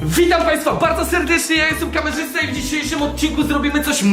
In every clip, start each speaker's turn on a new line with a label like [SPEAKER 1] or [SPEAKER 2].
[SPEAKER 1] Witam Państwa bardzo serdecznie, ja jestem kamerzysta i w dzisiejszym odcinku zrobimy coś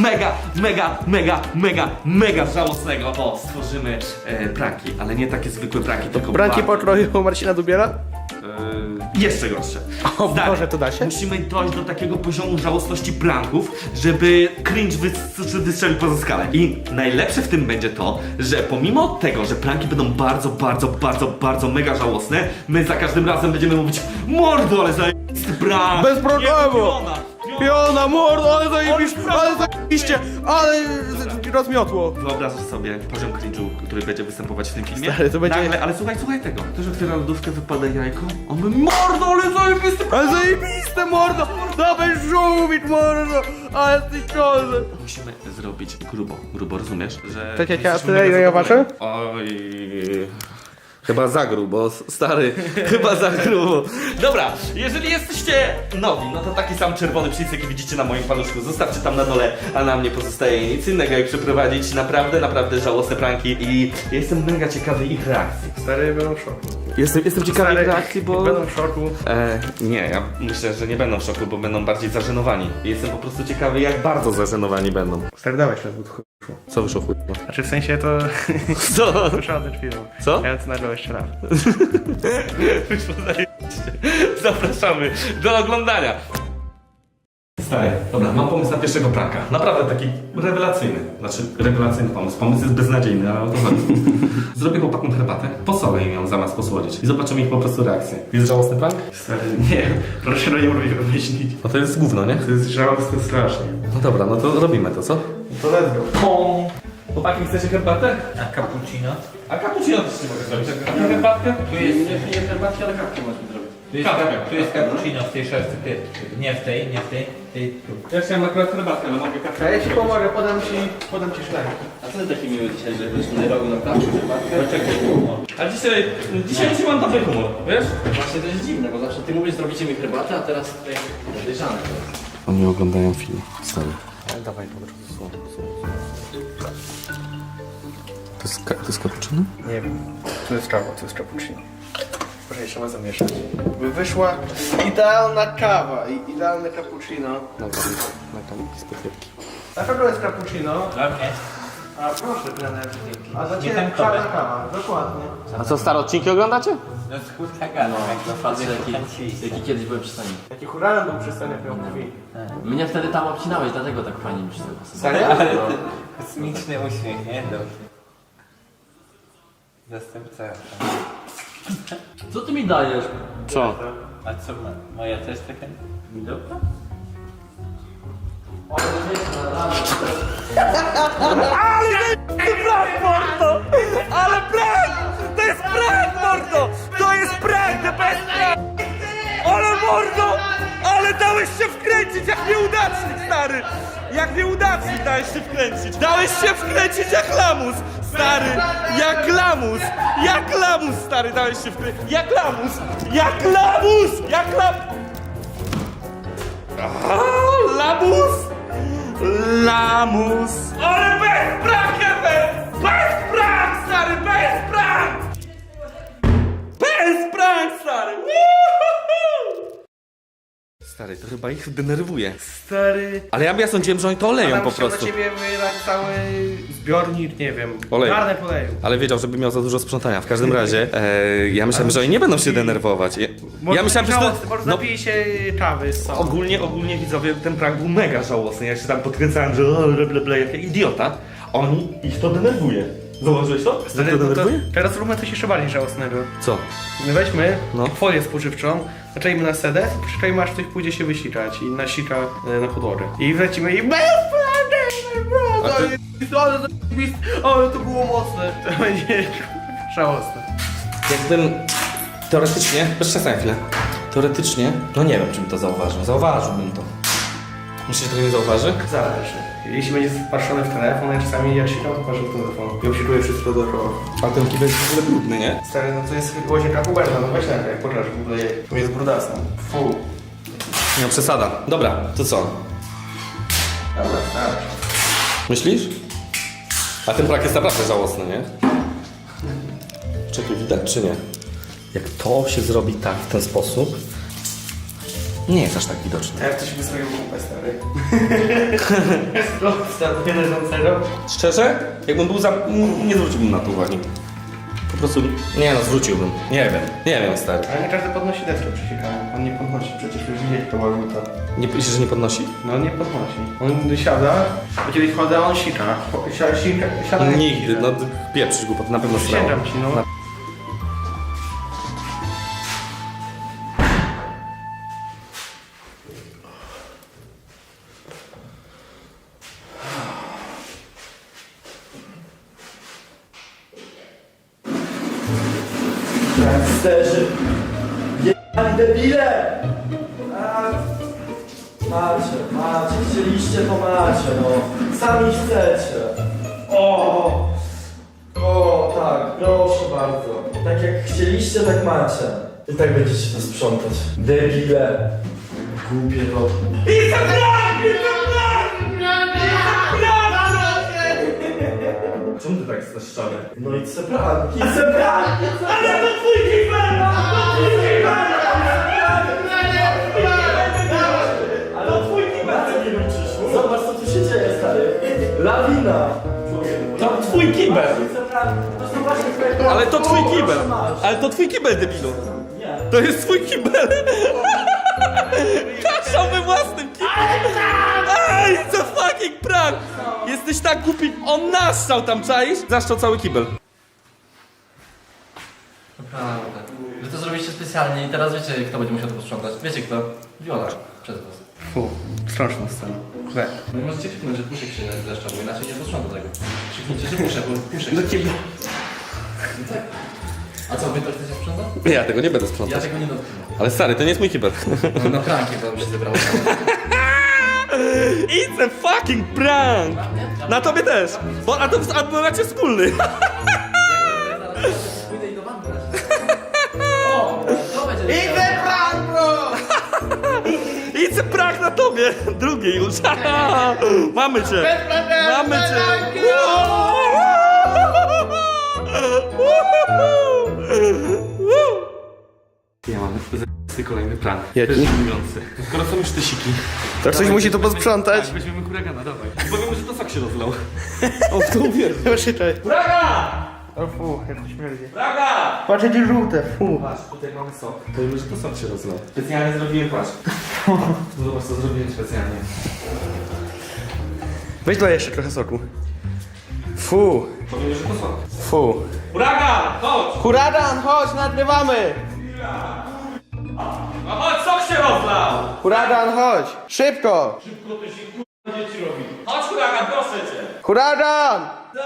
[SPEAKER 1] mega żałosnego. Bo stworzymy pranki, ale nie takie zwykłe pranki, tylko
[SPEAKER 2] Pranki pokroju Marcina Dubiela?
[SPEAKER 1] jeszcze gorsze.
[SPEAKER 2] O Boże, to da się?
[SPEAKER 1] Musimy dojść do takiego poziomu żałosności pranków, żeby cringe wystrzelił poza skalę. I najlepsze w tym będzie to, że pomimo tego, że pranki będą bardzo mega żałosne, my za każdym razem będziemy mówić: mordo, ale zajebisty prank!
[SPEAKER 2] Bez problemu! Piona, mordo, ale zajebiście, ale rozmiotło.
[SPEAKER 1] Wyobrażasz sobie poziom cringe'u, który będzie występować w tym filmie?
[SPEAKER 2] Stary, to będzie-
[SPEAKER 1] Nagle, ale słuchaj tego. Ktoś otwiera lodówkę, wypada jajko, on mówi: mordo, ale zajebisty prank!
[SPEAKER 2] Ale zajebiste, mordo! Dawaj żółwik, mordo! Ale ty kozę!
[SPEAKER 1] Musimy zrobić grubo, rozumiesz? Że
[SPEAKER 2] Czekaj,
[SPEAKER 1] jesteśmy
[SPEAKER 2] a tyle,
[SPEAKER 1] mega
[SPEAKER 2] ile ja
[SPEAKER 1] zadowoleni.
[SPEAKER 2] waszę?
[SPEAKER 1] Oj... Chyba za grubo, stary, chyba za grubo. Dobra, jeżeli jesteście nowi, no to taki sam czerwony przycisk, jaki widzicie na moim paluszku, zostawcie tam na dole, a nam nie pozostaje nic innego, jak przeprowadzić naprawdę żałosne pranki i ja jestem mega ciekawy ich reakcji.
[SPEAKER 2] Stary, będą w szoku.
[SPEAKER 1] Jestem ciekawy
[SPEAKER 2] Stary,
[SPEAKER 1] ich reakcji, bo...
[SPEAKER 2] Będą w szoku.
[SPEAKER 1] Nie, ja myślę, że nie będą w szoku, bo będą bardziej zażenowani. Jestem po prostu ciekawy, jak bardzo zażenowani będą.
[SPEAKER 2] Stary, dawaj ślad, bo to
[SPEAKER 1] Co wyszło chuj?
[SPEAKER 2] Znaczy w sensie to...
[SPEAKER 1] Co?
[SPEAKER 2] Słyszałem ten film.
[SPEAKER 1] Co?
[SPEAKER 2] Ja to nagrał jeszcze raz.
[SPEAKER 1] Wyszło zajebiście. Zapraszamy do oglądania. Stary, dobra, mam pomysł na pierwszego pranka. Naprawdę taki rewelacyjny. Znaczy, rewelacyjny pomysł. Pomysł jest beznadziejny, ale o to chodzi. Zrobię chłopakom herbatę, posolę im ją zamiast posłodzić i zobaczymy ich po prostu reakcję. Jest żałosny prank?
[SPEAKER 2] Stary, nie, proszę nie mówię wymyślić.
[SPEAKER 1] No to jest gówno, nie?
[SPEAKER 2] To jest żałosne strasznie.
[SPEAKER 1] No dobra, no to robimy to, co?
[SPEAKER 2] To let's go.
[SPEAKER 1] Chłopaki, chcecie herbatę?
[SPEAKER 3] A cappuccino?
[SPEAKER 1] A cappuccino też nie mogę zrobić. A herbatkę?
[SPEAKER 3] Tu jest nie herbatki, ale kawkę możemy zrobić. Tu jest cappuccino w tej szafce, nie w tej, tu.
[SPEAKER 1] Ja chciałem akurat herbatkę, ale mogę kawkę.
[SPEAKER 2] Ja ci pomogę, podam ci szlak.
[SPEAKER 4] A co ty taki miły dzisiaj, że byś nie robił na kawę, herbatkę?
[SPEAKER 3] Poczekaj,
[SPEAKER 1] A dzisiaj mam dobry humor, wiesz?
[SPEAKER 4] Właśnie to jest dziwne, bo zawsze ty mówisz, zrobicie mi herbatę, a teraz tutaj podejrzane to jest.
[SPEAKER 1] Oni oglądają film, stary.
[SPEAKER 2] Dawaj, po prostu słowo.
[SPEAKER 1] To jest cappuccino?
[SPEAKER 2] Nie wiem. To jest kawa, to jest cappuccino. Proszę, trzeba zamieszać. By wyszła idealna kawa i idealne cappuccino.
[SPEAKER 1] Na tam z podjebki.
[SPEAKER 2] Na pewno jest cappuccino.
[SPEAKER 3] Okej.
[SPEAKER 2] A proszę, trener. A za
[SPEAKER 3] Nie
[SPEAKER 2] ciebie
[SPEAKER 3] ten
[SPEAKER 2] czarna
[SPEAKER 3] komek.
[SPEAKER 2] kawa, dokładnie.
[SPEAKER 1] A co, stare odcinki oglądacie?
[SPEAKER 3] No z kurczaka, no jak to
[SPEAKER 4] Patrzę,
[SPEAKER 3] facet
[SPEAKER 4] jaki kiedyś byłem przy stanie.
[SPEAKER 2] Jaki huragan był przy scenie, jak ją mówi.
[SPEAKER 4] Mnie wtedy tam obcinałeś, dlatego tak fajnie mi się to pasowało.
[SPEAKER 2] Serio?
[SPEAKER 3] Ale kosmiczny uśmiech, nie? Dobrze. Zastępca.
[SPEAKER 4] Co ty mi dajesz?
[SPEAKER 1] Co?
[SPEAKER 3] A co ma? Moja też taka widoka?
[SPEAKER 1] Ale prank! To jest prank, mordo! To jest prank, the best prank! Ale mordo! Ale dałeś się wkręcić jak nieudacznik, stary! Jak nieudacznik dałeś się wkręcić! Dałeś się wkręcić jak lamus! Stary! Jak lamus! Jak lamus, stary! Dałeś się wkręcić! Jak lamus! Jak lamus! Jak lamus! Lamus! Lamus! Ale bez prank, Ewe! Bez prank, stary! Bez prank! Bez prank, stary! Woohoo! Stary, to chyba ich denerwuje.
[SPEAKER 2] Stary.
[SPEAKER 1] Ale ja sądziłem, że oni to oleją
[SPEAKER 2] Adam
[SPEAKER 1] po
[SPEAKER 2] chciał
[SPEAKER 1] prostu.
[SPEAKER 2] na ciebie wylać cały zbiornik, nie wiem,
[SPEAKER 1] Oleju.
[SPEAKER 2] garnek oleju.
[SPEAKER 1] Ale wiedział, żeby miał za dużo sprzątania. W każdym razie, ja myślałem, że oni nie będą się denerwować. Ja myślałem, że to...
[SPEAKER 2] Może
[SPEAKER 1] No,
[SPEAKER 2] napij się kawy z sobą.
[SPEAKER 1] ogólnie widzowie, ten prank był mega żałosny. Ja się tam podkręcałem, że jak idiota. Ich to denerwuje. Zauważyłeś to?
[SPEAKER 2] To teraz róbmy coś jeszcze bardziej żałosnego.
[SPEAKER 1] Co?
[SPEAKER 2] My weźmy
[SPEAKER 1] No.
[SPEAKER 2] folię spożywczą, zaczęliśmy na sedę, przyczajmy aż ktoś pójdzie się wysikać i nasika na podłogę. I wlecimy i ale to było mocne. To będzie żałosne.
[SPEAKER 1] Jakbym teoretycznie, przestań chwilę. Teoretycznie, no nie wiem, czy bym to zauważył. Zauważyłbym to. Myślisz, że to nie zauważy?
[SPEAKER 2] Zależy. Jeśli będzie wpatrzony w telefon, ja czasami jak sikam, to patrzę w telefon. I obsikuję wszystko dookoła.
[SPEAKER 1] A ten kibel jest w ogóle brudny, nie?
[SPEAKER 2] Stary, no to jest łazienka Huberta, no weź na jak pokaż w ogóle to jest brudasne. Fu.
[SPEAKER 1] Nie, przesada. Dobra, to co?
[SPEAKER 2] Dobra, stary.
[SPEAKER 1] Myślisz? A ten prank jest naprawdę żałosny, nie? Czekaj, widać czy nie? Jak to się zrobi tak, w ten sposób, Nie jest aż tak widoczny.
[SPEAKER 2] A jak ktoś by zrobił kupę, stary? Stary, leżącego?
[SPEAKER 1] Szczerze? Jakbym był za... nie zwróciłbym na to uwagi. Po prostu... Nie no, zwróciłbym. Nie wiem, stary.
[SPEAKER 2] Ale nie każdy podnosi deskę przysiekaną. On nie podnosi, przecież już widzieć to łażuta.
[SPEAKER 1] Nie myślisz, że nie podnosi?
[SPEAKER 2] No nie podnosi. On siada, bo kiedy wchodzę, a on sika. Siada jak
[SPEAKER 1] Nigdy,
[SPEAKER 2] sika.
[SPEAKER 1] no pieprzysz głupot, na pewno srało.
[SPEAKER 2] Przysięgam ci, no.
[SPEAKER 5] Gangsterzy! Jebani debile! Macie, chcieliście to macie, no. Sami chcecie. O, tak, proszę bardzo. Tak jak chcieliście, tak macie. I tak będziecie to sprzątać. Debile. Głupie to.
[SPEAKER 1] Czemu ty tak jesteś szczery?
[SPEAKER 5] No i co pranki? Ale to twój Ale to twój kibel! Zobacz co tu się dzieje, stary. Lawina!
[SPEAKER 1] To twój kibel! Ale to twój kibel! Ale to twój kibel, debilu!
[SPEAKER 5] Nie.
[SPEAKER 1] To jest twój kibel! Kaszał we własnym kibelu! Ej, co fucking prank! Jesteś tak głupi, on naszczał tam, czaisz? Zaszczał cały kibel.
[SPEAKER 4] Naprawdę. Wy to zrobiliście specjalnie i teraz wiecie, kto będzie musiał to posprzątać. Wiecie kto? Viola. Przez was.
[SPEAKER 2] Fu, straszna scena. Źle.
[SPEAKER 4] No i możecie krzyknąć, że puszek się zeszcza, bo inaczej nie posprząta tego. Krzyknijcie, że puszek, bo puszek
[SPEAKER 2] Do
[SPEAKER 4] się...
[SPEAKER 2] ciebie.
[SPEAKER 4] A co, wy to chcecie sprzątać?
[SPEAKER 1] Ja tego nie będę
[SPEAKER 4] Ja
[SPEAKER 1] sprzątać.
[SPEAKER 4] tego nie dotknę.
[SPEAKER 1] Ale stary, to nie jest mój kibel.
[SPEAKER 4] No na pranki to mi się zebrało.
[SPEAKER 1] It's a fucking prank! Na tobie też! Bo, a to macie wspólny.
[SPEAKER 4] Pójdę i do banku raz. O, to będzie...
[SPEAKER 1] It's a prank na tobie! Drugi już. Mamy cię! Mamy cię! Ja mam kolejny prank.
[SPEAKER 2] Jaki?
[SPEAKER 1] Skoro są już te siki.
[SPEAKER 2] To ktoś musi to posprzątać.
[SPEAKER 1] Tak, weźmiemy huragana, dawaj. Powiemy, że to sok się rozlał. O, w to uwierzę.
[SPEAKER 2] Proszę,
[SPEAKER 1] Braga!
[SPEAKER 2] O fu, jak to śmierdzi.
[SPEAKER 1] Braga!
[SPEAKER 2] Patrz, jakie żółte, fu.
[SPEAKER 1] Patrz, tutaj mamy sok. Powiemy, że to sok się rozlał. Specjalnie zrobiłem, patrz. Zobacz, co zrobiłem specjalnie.
[SPEAKER 2] Weź daj jeszcze trochę soku. Fu,
[SPEAKER 1] Powiemy, że to sok.
[SPEAKER 2] fu.
[SPEAKER 1] Huragan, chodź!
[SPEAKER 2] Huragan, chodź, nagrywamy!
[SPEAKER 1] No chodź, sok się rozlał!
[SPEAKER 2] Huragan, chodź! Szybko!
[SPEAKER 1] Chodź, huragan, proszę cię!
[SPEAKER 2] Huragan!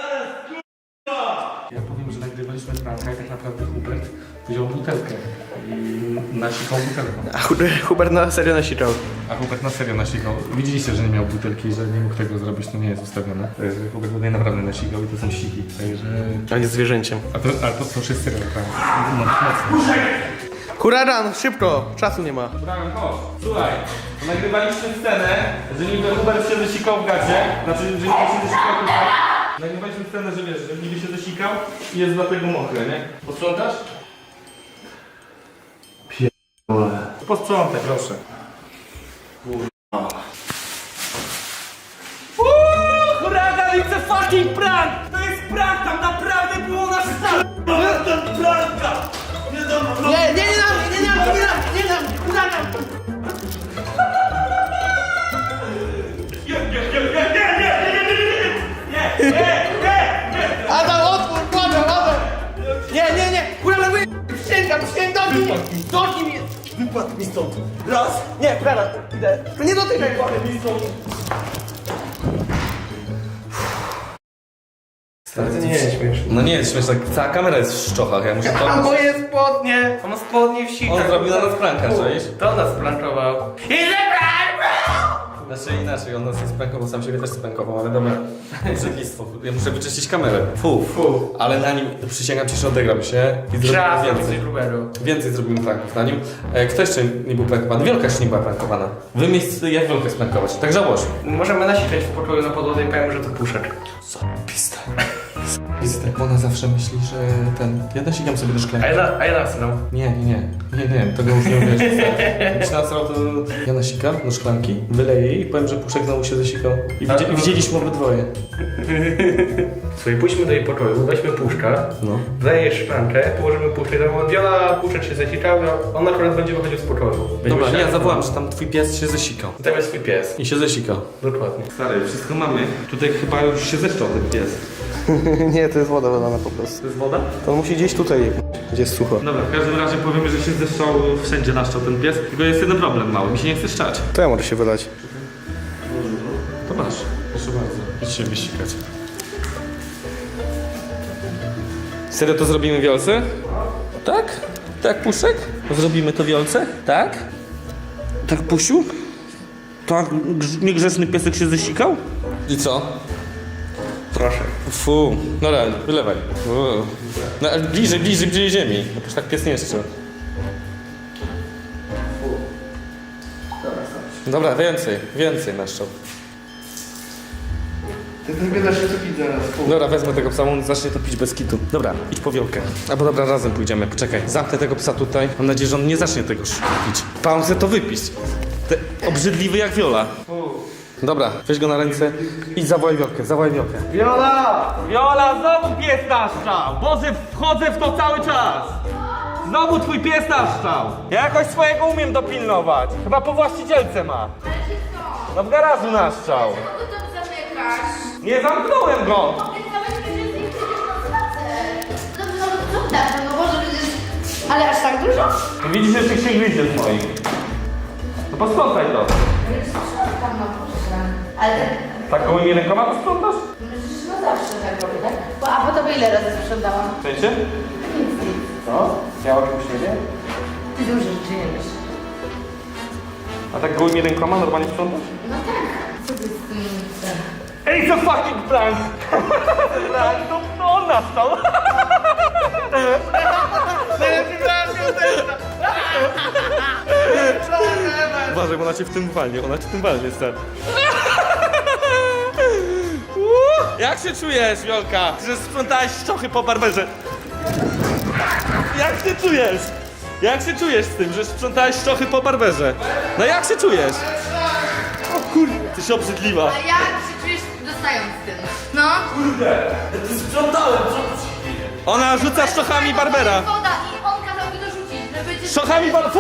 [SPEAKER 3] Ja powiem, że nagrywaliśmy pranka i tak naprawdę Hubert wziął butelkę i nasikał butelką.
[SPEAKER 2] A Hubert na serio nasikał.
[SPEAKER 3] A Hubert na serio nasikał. Widzieliście, że nie miał butelki, że nie mógł tego zrobić, to nie jest ustawione. Hubert tutaj naprawdę nasikał i to są siki. Także...
[SPEAKER 2] On jest zwierzęciem.
[SPEAKER 3] Ale to już jest serio prank. No, mocno.
[SPEAKER 2] Huragan, szybko! Czasu nie ma.
[SPEAKER 1] Huragan, chodź. Słuchaj, nagrywaliśmy scenę, że niby Hubert się zesikał w gacie, znaczy, że niby się zesikał tutaj. Nagrywaliśmy scenę, że wiesz, że niby się zesikał i jest dlatego mokre, nie? Posprzątasz? Posprzątaj, proszę. Huragan, it's a fucking prank! To jest prank, tam naprawdę było na start! Ten pranka!
[SPEAKER 2] Adam, otwórz, Adam! Nie! Huragan, przysięgam, dotknij mnie! Wypadł mi stąd. Raz, nie, Huragan, idę. To nie dotykaj, wypadł mi stąd. Ale to nie jest śmieszne.
[SPEAKER 1] No nie jest śmieszne, cała kamera jest w szczochach, ja muszę to...
[SPEAKER 2] A moje spodnie! On ma spodnie w sikach.
[SPEAKER 1] On zrobił na nas pranka, czaisz?
[SPEAKER 2] To nas plankował.
[SPEAKER 1] Znaczy inaczej, on nas nie sprankował, sam siebie też sprankował, ale dobra. Brzydlistwo, ja muszę wyczyścić kamerę. Fu. Ale na nim, przysięgam ci, że odegram się i zrobimy
[SPEAKER 2] Czas,
[SPEAKER 1] więcej. Więcej zrobimy pranków na nim. Kto jeszcze nie był prankowany? Wielka jeszcze nie była prankowana. Wy miejsce jak Wielkę sprankować, tak żałośnie.
[SPEAKER 2] Możemy nasikać w pokoju na podłodze i powiem, że to puszek.
[SPEAKER 1] Pista.
[SPEAKER 3] Wizytę. Ona zawsze myśli, że ja nasikam sobie do szklanki.
[SPEAKER 2] A ja nasrał.
[SPEAKER 3] Nie, tego już nie uwierzysz. Jak się nasrał, to ja nasikam do szklanki, wyleję jej i powiem, że Puszek znowu się zasikał. I widzieliśmy obydwoje.
[SPEAKER 2] Słuchaj, pójdźmy do jej pokoju, weźmy Puszka,
[SPEAKER 3] No.
[SPEAKER 2] wlejesz szklankę, położymy Puszkę, tam Wiola, Puszek się zasikał, on akurat będzie wychodził z pokoju.
[SPEAKER 3] Dobra, ja zawołam, że tam twój pies się zasikał.
[SPEAKER 2] Tam jest twój pies.
[SPEAKER 3] I się zasikał.
[SPEAKER 2] Dokładnie.
[SPEAKER 3] Stary, wszystko mamy. Tutaj chyba już się zeszczał ten pies.
[SPEAKER 2] Nie, to jest woda wylana po prostu.
[SPEAKER 3] To jest woda?
[SPEAKER 2] To on musi gdzieś tutaj, gdzie jest sucho.
[SPEAKER 3] Dobra, w każdym razie powiemy, że się zeszczał, wszędzie naszczał ten pies. Tylko jest jeden problem mały, mi się nie chce szczać.
[SPEAKER 2] To ja może się wylać.
[SPEAKER 3] To masz, proszę bardzo. Idź się wysikać. Serio to zrobimy wiolce? Tak? Tak, Puszek? Zrobimy to wiolce? Tak? Tak, Pusiu? Tak, niegrzeczny piesek się zesikał? I co?
[SPEAKER 2] Proszę.
[SPEAKER 3] Fu, dobra, wylewaj. No, ale bliżej ziemi. No przecież tak pies nie jeszcze. Dobra, więcej naszczał.
[SPEAKER 2] Ty też biedasz się co pić zaraz.
[SPEAKER 3] Dobra, wezmę tego psa, on zacznie to pić bez kitu. Dobra, idź po wiolkę. Albo dobra, razem pójdziemy, poczekaj. Zamknę tego psa tutaj. Mam nadzieję, że on nie zacznie tego pić. Pauzę to wypić. Obrzydliwy jak Wiola. Dobra, weź go na ręce i zawołaj wiolkę.
[SPEAKER 2] Wiola!
[SPEAKER 1] Viola, znowu pies naszczał! Boże, wchodzę w to cały czas! Znowu twój pies naszczał! Ja jakoś swojego umiem dopilnować. Chyba po właścicielce ma. No w garażu naszczał.
[SPEAKER 6] Mogę to zamykasz.
[SPEAKER 1] Nie zamknąłem go!
[SPEAKER 6] Obiecałeś mi, że z nim pójdziesz na spacer. No co tak, no może przecież... Ale aż tak dużo?
[SPEAKER 1] Widzisz, że tych się gryzie z moich. No posprzątaj to.
[SPEAKER 6] Tam no proszę. Ale
[SPEAKER 1] Tak gołymi rękoma posprzątasz?
[SPEAKER 6] przecież no zawsze tak robię, tak? A po tobie ile razy sprzątałam?
[SPEAKER 1] W sensie?
[SPEAKER 6] Nic.
[SPEAKER 1] No, ja o czymś nie wiem.
[SPEAKER 6] Ty dużo rzeczy nie wiesz.
[SPEAKER 1] A tak gołymi rękoma normalnie sprzątasz?
[SPEAKER 6] No tak. Co ty z tym...
[SPEAKER 1] Ej, co fucking prank! Prank, to on nastał!
[SPEAKER 3] Uważaj, bo ona cię w tym walnie, stary.
[SPEAKER 1] Jak się czujesz, Wiolka, że sprzątałeś szczochy po barberze? Jak się czujesz? Jak się czujesz z tym, że sprzątałeś szczochy po barberze? No jak się czujesz? O kurde, ty się obrzydliwa.
[SPEAKER 6] A jak się czujesz dostając tym? No?
[SPEAKER 1] Sprzątałem, Ona rzuca szczochami barbera.
[SPEAKER 6] Woda i on kazał mi dorzucić, żeby cię...
[SPEAKER 1] Szczochami fu!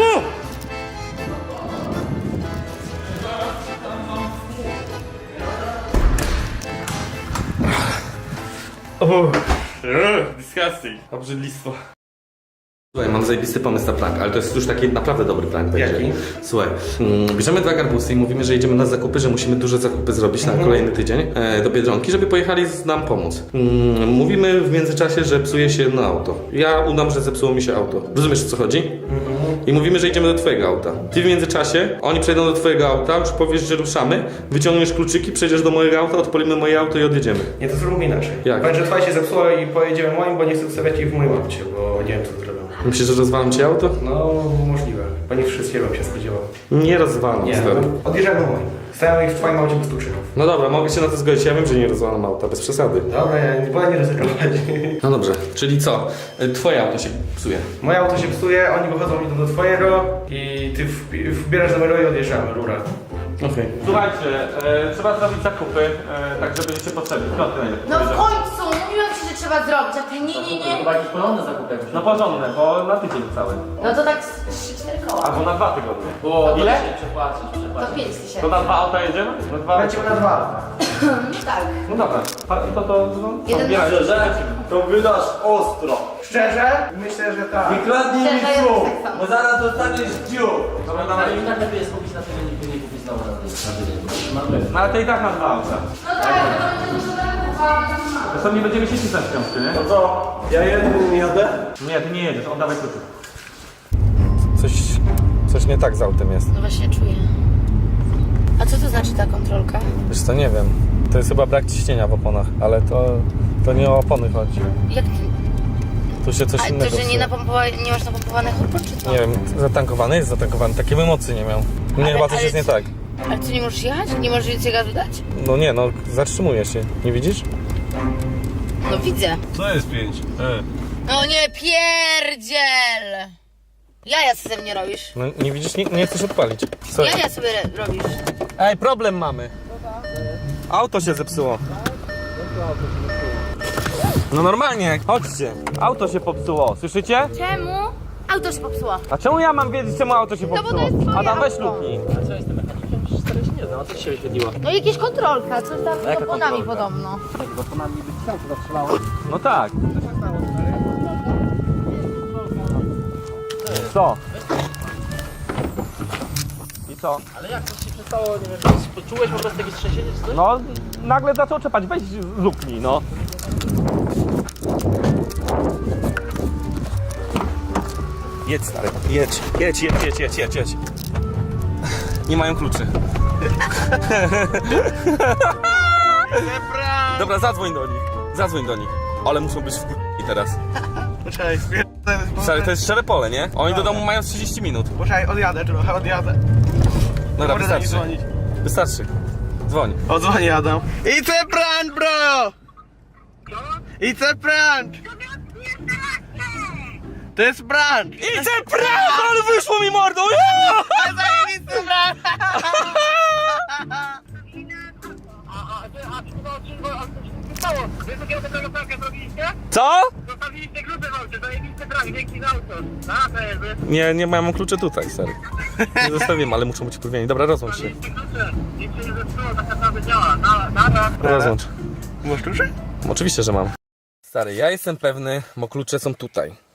[SPEAKER 1] Disgusting. Obrzydlistwo.
[SPEAKER 3] Słuchaj, mam zajebisty pomysł na prank, ale to jest już taki naprawdę dobry prank będzie.
[SPEAKER 2] Jaki?
[SPEAKER 3] Słuchaj, bierzemy 2 garbusy i mówimy, że idziemy na zakupy, że musimy duże zakupy zrobić na kolejny tydzień do Biedronki, żeby pojechali nam pomóc. Mówimy w międzyczasie, że psuje się jedno auto. Ja udam, że zepsuło mi się auto. Rozumiesz, o co chodzi? I mówimy, że idziemy do twojego auta. Ty w międzyczasie, oni przejdą do twojego auta, już powiesz, że ruszamy, wyciągniesz kluczyki, przejdziesz do mojego auta, odpalimy moje auto i odjedziemy.
[SPEAKER 2] Nie, to zróbmy inaczej.
[SPEAKER 3] Jak?
[SPEAKER 2] Powiedz, że twoja się zepsuła i pojedziemy moim, bo nie chcę ustawiać jej w moim aucie, bo nie wiem co zrobią.
[SPEAKER 3] Myślisz, że rozwalam ci auto?
[SPEAKER 2] No, możliwe. Bo nie wszystkiego bym się spodziewał.
[SPEAKER 3] Nie rozwalam,
[SPEAKER 2] Nie,
[SPEAKER 3] stary.
[SPEAKER 2] no, odjeżdżamy moim. Stają ich w twoim aucie bez kluczyków.
[SPEAKER 3] No dobra, mogę się na to zgodzić, ja wiem, że nie rozwalam auta, bez przesady.
[SPEAKER 2] Dobra, ja nie wolę nie ryzykować.
[SPEAKER 3] No dobrze, czyli co? Twoje auto się psuje.
[SPEAKER 2] Moje auto się psuje, oni wychodzą, idą do twojego i ty wbierasz numeru i odjeżdżamy, rura.
[SPEAKER 3] Okej.
[SPEAKER 1] Słuchajcie, trzeba zrobić zakupy, tak żeby się potrzebny. Piąty najlepiej.
[SPEAKER 6] No w końcu! Mówiłam ci, że trzeba zrobić, a ty nie.
[SPEAKER 4] Chyba jakiś porządny zakup jakoś.
[SPEAKER 1] No porządne, bo na tydzień cały.
[SPEAKER 6] No to tak 3-4 koła.
[SPEAKER 1] Albo na 2 tygodnie.
[SPEAKER 4] Było
[SPEAKER 1] Ile?
[SPEAKER 4] Przepłacić.
[SPEAKER 6] To 5 tysięcy.
[SPEAKER 1] To na 2 auta jedziemy? Na 2?
[SPEAKER 2] Lecimy na 2.
[SPEAKER 6] No tak.
[SPEAKER 1] No dobra,
[SPEAKER 6] Jeden
[SPEAKER 1] odbieraj.
[SPEAKER 5] To wydasz ostro.
[SPEAKER 2] Szczerze? Myślę, że tak.
[SPEAKER 5] Nie kradnij mi
[SPEAKER 6] Szczerze, ja
[SPEAKER 5] słów,
[SPEAKER 6] tak samo.
[SPEAKER 5] bo zaraz dostaniesz dziób.
[SPEAKER 1] Dobra,
[SPEAKER 4] Ale
[SPEAKER 1] dawaj.
[SPEAKER 4] i tak lepiej jest kupić na tydzień, niż nie kupić znowu na tydzień. Mamy.
[SPEAKER 1] No ale to i tak na 2 auta.
[SPEAKER 6] No tak, to będzie dużo zakupować.
[SPEAKER 1] Zresztą nie będziemy się cisnąć w książkę, nie?
[SPEAKER 5] No co, ja jednym jadę?
[SPEAKER 1] Nie, ty nie jedziesz, oddawaj kluczyk.
[SPEAKER 3] Coś nie tak z autem jest.
[SPEAKER 6] No właśnie czuję. A co to znaczy ta kontrolka?
[SPEAKER 3] Wiesz co, nie wiem. To jest chyba brak ciśnienia w oponach, ale to nie o opony chodzi.
[SPEAKER 6] Jak ty?
[SPEAKER 3] Tu się coś
[SPEAKER 6] A
[SPEAKER 3] innego
[SPEAKER 6] to, że
[SPEAKER 3] psuje.
[SPEAKER 6] nie masz napompowanych opon, czy co?
[SPEAKER 3] Nie wiem, zatankowany jest zatankowany, takiej emocji nie miał. Nie, chyba coś jest nie tak.
[SPEAKER 6] Ale ty nie możesz jechać? Nie możesz więcej gazu dać?
[SPEAKER 3] No nie, no zatrzymuje się, nie widzisz?
[SPEAKER 6] No No widzę.
[SPEAKER 3] Co jest 5?
[SPEAKER 6] No nie pierdziel! Jaja sobie ze mnie robisz.
[SPEAKER 3] No nie widzisz, nie chcesz odpalić. Sorry.
[SPEAKER 6] Jaja sobie robisz.
[SPEAKER 3] Ej, problem mamy. Auto się zepsuło. No normalnie, chodźcie. Auto się popsuło, słyszycie?
[SPEAKER 6] Czemu? Auto się popsuło.
[SPEAKER 3] A czemu ja mam wiedzieć, czemu auto się
[SPEAKER 6] bo to
[SPEAKER 3] popsuło?
[SPEAKER 6] jest twoje
[SPEAKER 3] Adam, weź
[SPEAKER 6] auto.
[SPEAKER 3] luknij.
[SPEAKER 4] A co jestem mechanikiem? Przecież stary się nie znam, a co ci się wyświetliło?
[SPEAKER 6] No jakieś kontrolka, coś tam z
[SPEAKER 4] Jaka
[SPEAKER 6] oponami
[SPEAKER 4] kontrolka?
[SPEAKER 6] podobno.
[SPEAKER 4] Bo to na mnie być sam to zatrzymało.
[SPEAKER 3] No tak. Co? I co?
[SPEAKER 4] Ale jak to się przestało, nie wiem, poczułeś po prostu jakieś trzęsienie czy coś?
[SPEAKER 3] No, nagle zaczął czepać, weź luknij, no. Jedź, stary, jedź. Nie mają kluczy. Dobra, zadzwoń do nich. Ale muszą być w teraz.
[SPEAKER 2] Poczekaj,
[SPEAKER 3] Stary, to jest szczere pole, nie? Oni do domu mają 30 minut.
[SPEAKER 2] Poczekaj, odjadę trochę, odjadę.
[SPEAKER 3] Dobra,
[SPEAKER 2] Mogę do nich
[SPEAKER 3] wystarczy.
[SPEAKER 2] dzwonić.
[SPEAKER 3] Wystarczy. Dzwoń.
[SPEAKER 2] Odzwonię Adam. It's a prank, bro! It's a prank! To jest prank!
[SPEAKER 3] Idę prawo, ale wyszło mi mordą!
[SPEAKER 2] Zajebisty prank!
[SPEAKER 3] Co?
[SPEAKER 2] Zostawiliście klucze w aucie, zajebisty prank, dzięki za auto.
[SPEAKER 3] Nie mam kluczy tutaj, stary. Nie zostawiłem, ale muszą być wpływieni. Dobra, rozłącz się.
[SPEAKER 2] Klucze, nic się nie zepsuło, tak naprawdę działa.
[SPEAKER 3] Rozłącz.
[SPEAKER 2] Masz klucze?
[SPEAKER 3] Oczywiście, że mam. Stary, ja jestem pewny, bo klucze są tutaj.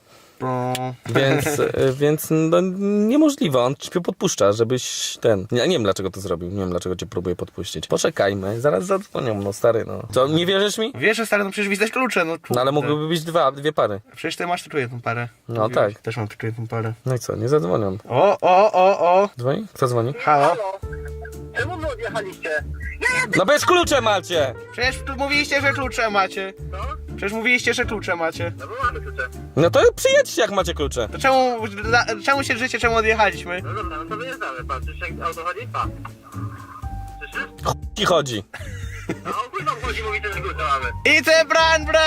[SPEAKER 3] Więc no, niemożliwe, on ci podpuszcza, żebyś ten... Ja nie wiem, dlaczego to zrobił, nie wiem, dlaczego cię próbuje podpuścić. Poczekajmy, zaraz zadzwonią, no stary, no. Co, nie wierzysz mi?
[SPEAKER 2] Wiesz, że stary, no przecież widać klucze, no
[SPEAKER 3] No ale mogłyby być dwie pary.
[SPEAKER 2] Przecież ty masz tu jedną parę.
[SPEAKER 3] No
[SPEAKER 2] Mówiłeś.
[SPEAKER 3] tak.
[SPEAKER 2] Też mam tu jedną parę.
[SPEAKER 3] No i co, nie zadzwonią.
[SPEAKER 2] O!
[SPEAKER 3] Dzwoni? Kto dzwoni?
[SPEAKER 2] Halo?
[SPEAKER 7] Czemu wy odjechaliście?
[SPEAKER 3] No bez klucze macie!
[SPEAKER 2] Przecież tu mówiliście, że klucze macie. Przecież mówiliście, że klucze macie.
[SPEAKER 7] No bo mamy klucze.
[SPEAKER 3] No to przyjedźcie, jak macie klucze.
[SPEAKER 2] To czemu się drzecie, czemu odjechaliśmy?
[SPEAKER 7] No dobra, no to wyjeżdżamy, patrzysz jak auto chodzi? Pa. Słyszysz?
[SPEAKER 3] I chodzi.
[SPEAKER 7] No o chuj wam chodzi, mówicie, że klucze mamy.
[SPEAKER 2] It's a prank, bro!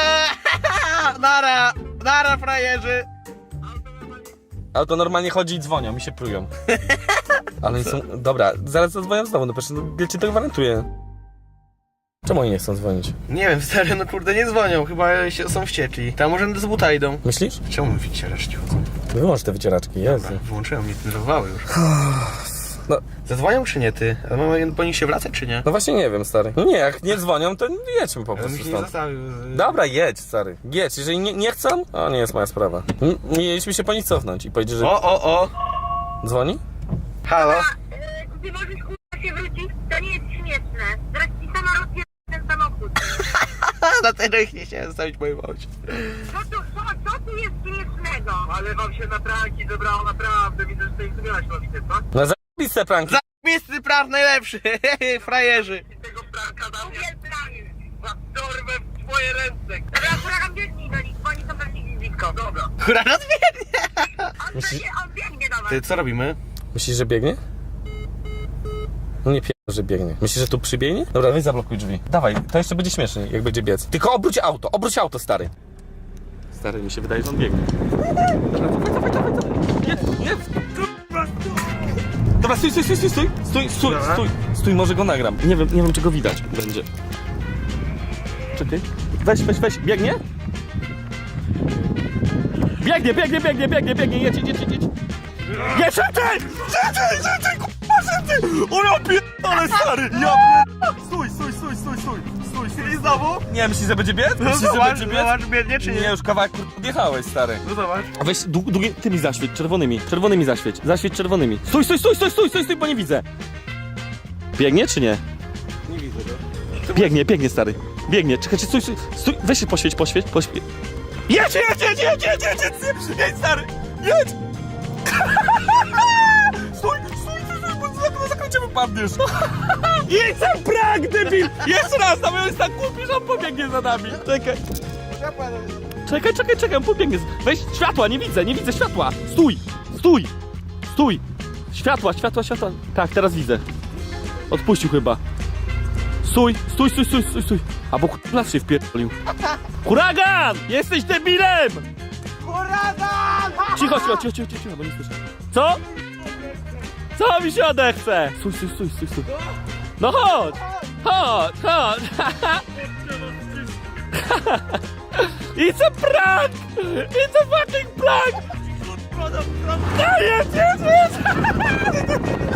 [SPEAKER 2] Nara, frajerzy!
[SPEAKER 3] Auto normalnie chodzi i dzwonią, mi się plują. Ale oni są... Dobra, zaraz zadzwonią znowu, no przecież ja ci to gwarantuję. Czemu oni nie chcą dzwonić?
[SPEAKER 2] Nie wiem, stary, no kurde, nie dzwonią, chyba są wściekli. Tam może z buta idą.
[SPEAKER 3] Myślisz?
[SPEAKER 2] Czemu mi wycieraczki chodzą?
[SPEAKER 3] Wyłącz te wycieraczki, Jezu.
[SPEAKER 2] Wyłączyłem, mnie denerwowały już.
[SPEAKER 3] No.
[SPEAKER 2] Zadzwonią czy nie ty? A mamy po nich się wracać czy nie?
[SPEAKER 3] No właśnie nie wiem, stary. No nie, jak nie dzwonią, to jedźmy po
[SPEAKER 2] Ja bym
[SPEAKER 3] prostu
[SPEAKER 2] się nie
[SPEAKER 3] stąd.
[SPEAKER 2] zostawił.
[SPEAKER 3] Dobra, jedź, stary. Jedź, jeżeli nie chcą, to nie jest moja sprawa. Mieliśmy się po nich cofnąć i powiedzieć, że...
[SPEAKER 2] O!
[SPEAKER 3] Dzwoni?
[SPEAKER 2] Halo?
[SPEAKER 7] Ty możesz kurwa się wrócić? To nie jest śmieszne. Zaraz ci sama rozpierdolę ten samochód.
[SPEAKER 2] Dlatego ich nie chciałem zostawić po aucie.
[SPEAKER 7] Co tu jest śmiesznego? Ale wam się na pranki zebrało naprawdę. Widzę, że tutaj zrobiłaś lobitę, co?
[SPEAKER 3] No zajebiste pranki.
[SPEAKER 2] Zajebisty praw najlepszy, frajerzy.
[SPEAKER 7] Tego pranka dam was dorwę w twoje ręce. Dobra, huragan biegnij do nich, bo oni są pewnie blisko. Dobra.
[SPEAKER 2] Huragan biegnie.
[SPEAKER 7] On biegnie do was.
[SPEAKER 2] Ty, co robimy?
[SPEAKER 3] Myślisz, że biegnie? No nie że biegnie. Myślisz, że tu przybiegnie? Dobra, weź zablokuj drzwi. Dawaj, to jeszcze będzie śmiesznie, jak będzie biec. Tylko obróć auto, stary. Stary, mi się wydaje, że on biegnie. Dobra, dawaj. Nie. Dobra, stój, może go nagram. Nie wiem, czy go widać będzie. Czekaj. Weź, biegnie? Biegnie, jedź. Nie, szybciej, o ja pierdolę, stary, Stój.
[SPEAKER 2] I znowu?
[SPEAKER 3] Nie, myślisz, że będzie biec?
[SPEAKER 2] No
[SPEAKER 3] Myślisz, że
[SPEAKER 2] zobacz,
[SPEAKER 3] będzie biec?
[SPEAKER 2] zobacz, biegnie czy
[SPEAKER 3] Nie,
[SPEAKER 2] nie?
[SPEAKER 3] już kawałek odjechałeś, stary.
[SPEAKER 2] No zobacz.
[SPEAKER 3] A weź długie, tymi zaświeć, czerwonymi zaświeć. Zaświeć czerwonymi. Stój, bo nie widzę. Biegnie czy nie?
[SPEAKER 2] Nie widzę go.
[SPEAKER 3] Biegnie, stary. Biegnie, czekaj, stój. Weź się poświeć. Jedź, stary, jedź! Stój, bo za zakręcie wypadniesz. Jedź sam prank, debil! Jeszcze raz, tam jest tak głupi, że on pobiegnie za nami. Czekaj, on pobiegnie. Weź światła, nie widzę światła. Stój. Światła. Tak, teraz widzę. Odpuścił chyba.
[SPEAKER 1] Stój, stój, stój, stój, stój, stój. Albo nas się wpierdolił. Huragan! Jesteś debilem!
[SPEAKER 2] Huragan!
[SPEAKER 1] Cicho, cicho, cicho, cicho, cicho, bo nie słyszę. Co? Co mi się odechce? Stój, stój, stój, stój, stój. No chodź! Chodź, chodź! It's a prank! It's a fucking prank! Jest, jest, jest!